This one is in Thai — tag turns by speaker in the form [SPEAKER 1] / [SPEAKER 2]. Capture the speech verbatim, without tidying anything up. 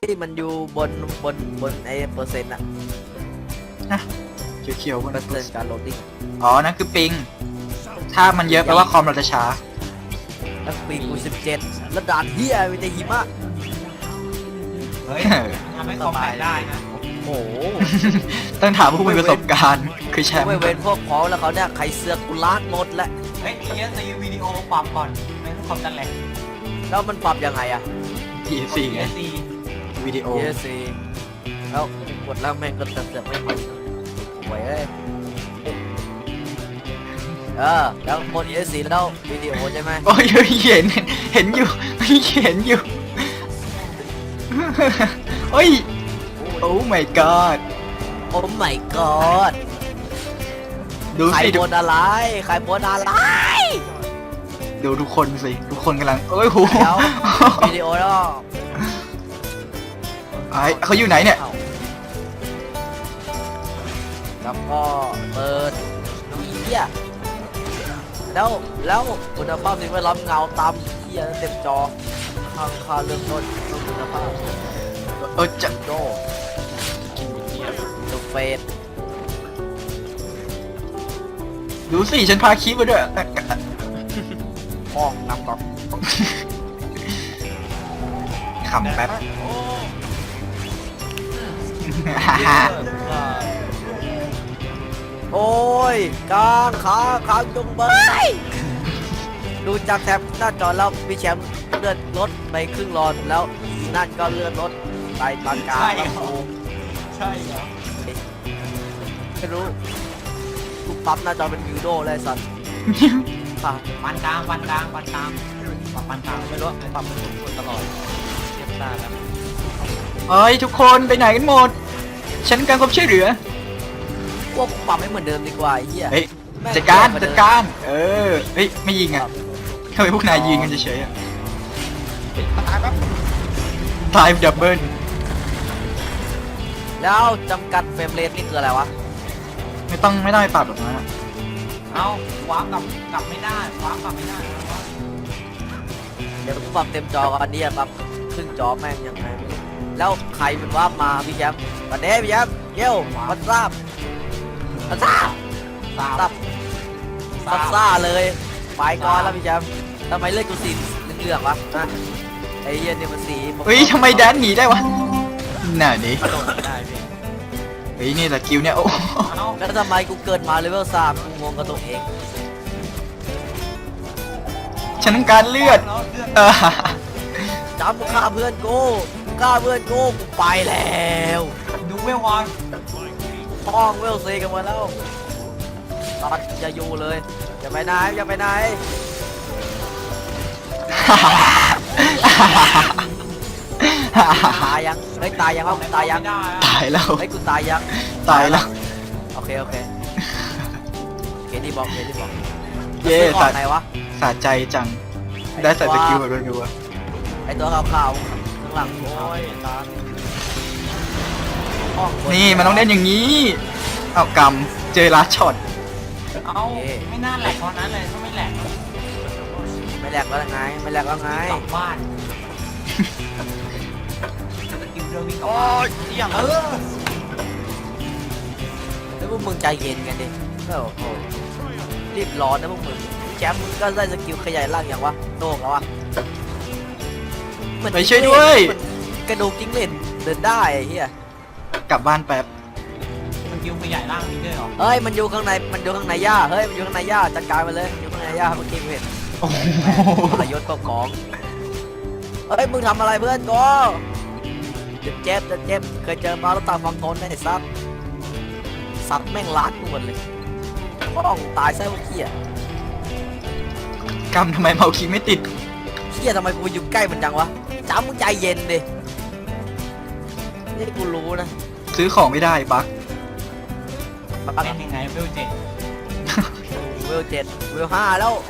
[SPEAKER 1] ที่มันอยู่บนบนบนไอ้เปอร์เซ็นต์อะ
[SPEAKER 2] นะเขียวๆบน
[SPEAKER 1] เปอร์เซ็นต์การโหลดดิ้ง
[SPEAKER 2] อ๋อนั่นคือปิงถ้ามันเยอะแปลว่าคอมเราจะช้า
[SPEAKER 1] แล้วปีกูสิบเจ็ดแล้วด่านเฮียมีแต่หิมะ
[SPEAKER 3] เฮ้ยทำให้คอมแตกได้นะ
[SPEAKER 1] โอ้โห
[SPEAKER 2] ต้องถามผู้มีประสบการณ์คือแชมป์
[SPEAKER 1] ไม่เว้นพวกพ้องแล้วเขาเนี่ยใครเสือกกูล้างหมดแล้ว
[SPEAKER 3] เฮ้ยเอสซีวิดีโอปรับก่อนไม่ต้องคอมจะแหลก
[SPEAKER 1] แล้วมันปรับยังไงอะ
[SPEAKER 2] พีสี่ไง
[SPEAKER 3] เอสซี
[SPEAKER 2] วิดีโอ
[SPEAKER 1] เอสซีแล้วกดแล้วแม่งก็เสือกไม่มาหวยเอ้ยเออแล้วบนเอสซีแล้ววิดีโอใช่ไหม
[SPEAKER 2] โอ้ยเห็นเห็นอยู่เห็นอยู่โอ้ยโอ้ my god
[SPEAKER 1] โอ้ my god
[SPEAKER 2] ดู
[SPEAKER 1] ใคร
[SPEAKER 2] สิ
[SPEAKER 1] บนอะไรใครบนอะไร
[SPEAKER 2] ดูทุกคนสิทุกคนกำลังเอ้ยโห
[SPEAKER 1] เดี๋ยววิดีโอแล้ว
[SPEAKER 2] ไอ้เขาอยู่ไหนเนี่ย
[SPEAKER 1] อ้าแล้วก็เปิดอีเหี้ยแล้วแล้วคุณภาพสิ่งแวดล้อมเงาตามเหี้ยเต็มจอข้างค่าเริ่มต้นต้องคุณภาพ
[SPEAKER 2] เออจะ
[SPEAKER 1] โดโดเฟส
[SPEAKER 2] ดูสิฉันพาคลิปมาด้วย
[SPEAKER 1] ห้องนำก่อน
[SPEAKER 2] ขำแป๊บ
[SPEAKER 1] โอ้ยกลางขาขางจงเบยดูจากแท็บหน้าจอแล้วพี่แชมป์เลื่อนรถไปครึ่งหลอดแล้วนั่นก็เลื่อนรถไปตอนกลางแล้วกู
[SPEAKER 3] ใช่เหรอ
[SPEAKER 1] ไม่รู้กูปั๊บหน้าจอเป็นวิวโดเลยสัตว์ค่ะ
[SPEAKER 3] ปันกลางปันกลางปันกลางปรับปันกลาง
[SPEAKER 1] ไม่รู้ปรับเป็นคนตลอดเทียบหน้าแล้ว
[SPEAKER 2] เฮ้ยทุกคนไปไหนกันหมด ฉันการความช่วยเหลือ
[SPEAKER 1] พวกกูปรับให้เหมือนเดิมดีกว่าไอ้เหี้ย
[SPEAKER 2] เฮ้ย
[SPEAKER 1] แม่ง
[SPEAKER 2] จัดการ
[SPEAKER 1] เยอะว่
[SPEAKER 2] จัด
[SPEAKER 1] เม
[SPEAKER 2] การ เออ เฮ้ยไม่ยิงอ่ะทำไมพวกนายยิงกันเฉยๆอ่ะ
[SPEAKER 1] ตายแป๊บ
[SPEAKER 2] ตายดับเบิล
[SPEAKER 1] แล้วจำกัดเฟรมเรทนี่คืออะไรวะ
[SPEAKER 2] ไม่ต้องไม่ต้องไปปรับหรอกนะ
[SPEAKER 3] เอาวาร์ปกลับกลับไม่ได้วาร์ปกลับไม่ได้
[SPEAKER 1] เดี๋ยวกูปรับเต็มจอก่อนนี่ปรับครึ่งจอแม่งยังไงไม่รู้แล้วใครเป็นว่ามาพี่แชมป์วันนี้พี่แชมป์เยี่ยวมันทราบมันทราบ
[SPEAKER 3] สาว
[SPEAKER 1] ทราบซับซ่าเลยไปก่อนแล้วพี่แชมป์ทำไมเลือดกูสีเหลืองๆวะนะไอ้เหี้ยนี่มันสี
[SPEAKER 2] เฮ้ยทำไมแดนหนีได้วะน่ะดิ
[SPEAKER 1] กระโดดไม่ได้พี่
[SPEAKER 2] เฮ้ยนี่แหละกิวเนี่ยโอ้
[SPEAKER 3] เอา
[SPEAKER 1] แล้วทำไมกูเกิดมาเลเวลสามกูงงกับตัวเอง
[SPEAKER 2] ฉันต้องการเลือด
[SPEAKER 3] แล้วเลือด
[SPEAKER 2] เออ
[SPEAKER 1] จำมึงฆ่าเพื่อนกูมึงฆ่าเพื่อนกูกูไปแล้ว
[SPEAKER 3] ดูเวลวอน
[SPEAKER 1] ห้องเวลซีกันหมดแล้วตอนจะอยู่เลยอย่าไปไหนอย่าไปไหนตายยังเฮ้ยตายยังวะตายยัง
[SPEAKER 3] ไม่ได้อะ
[SPEAKER 2] ตายแล้ว
[SPEAKER 1] เฮ้ยกูตายยัง
[SPEAKER 2] ตายแล้ว
[SPEAKER 1] โอเคโอเคเคที่บอกเคที่บอก
[SPEAKER 2] เย่
[SPEAKER 1] ก่อ
[SPEAKER 2] สะ
[SPEAKER 1] นไหนวะ
[SPEAKER 2] สะใจจัง ได้ใส่สกิลแบบรัว
[SPEAKER 1] ไอตัวขาวๆข้างหลังโอ้ยตายห้องบ
[SPEAKER 2] ๆนี่มันต้องเล่นอย่างนี้ เอากำเจอลัดช็อต
[SPEAKER 3] เอาไม่น่าแหลกเพราะนั้นเลยถ้าไม่แหลก
[SPEAKER 1] ไม่แหลกแล้วไงไม่แหลกแล้วไง
[SPEAKER 3] กลับบ้านสกิลเดินวิ่งกลับ
[SPEAKER 1] โอ้
[SPEAKER 3] บ้าน
[SPEAKER 1] ยเยี่ยม
[SPEAKER 3] เออ
[SPEAKER 1] แล้วพวกมึงใจเย็นกันดิโอ้โหรีบร้อนนะพวกมึงแชมป์มึงก็ได้สกิลขยายร่างอย่างวะโน่งแล้ววะเหมือน
[SPEAKER 2] ไปช่วยด้วย
[SPEAKER 1] เหมือนกระดูกจิ้งเหลนเดินได้ไอ้เหี้ย
[SPEAKER 2] กลับบ้านแป๊บ
[SPEAKER 3] สกิลขยายร่างมีด้วยเหรอ
[SPEAKER 1] เฮ้ยมันอยู่ข้างในมันอยู่ข้างในหญ้าเฮ้ยมันอยู่ข้างในหญ้าจัดการมันเลยมันอยู่ข้างในหญ้าเมื่อกี้กูเห็น
[SPEAKER 2] โอ้โห
[SPEAKER 1] ทรยศก็ของเฮ้ยมึงทำอะไรเพื่อนกูเจ็บเจ็บเจ็บเจ็บเคยเจอมาแล้วตาฟังทนไอ้ซับสัตว์แม่งล้านกูหมดเลยป้องตายซะพวกเหี้ย
[SPEAKER 2] กำทำไมเมาคีไม่ติด
[SPEAKER 1] เหี้ยทำไมกูอยู่ใกล้มันจังวะจ้ามึงใจเย็นดินี่กูรู้นะ
[SPEAKER 2] ซื้อของไม่ได้บั๊ก
[SPEAKER 1] ปัก
[SPEAKER 3] เป็นยังไงเวลเจ็ด
[SPEAKER 1] เวลเจ็ดเวลห้าแล้ว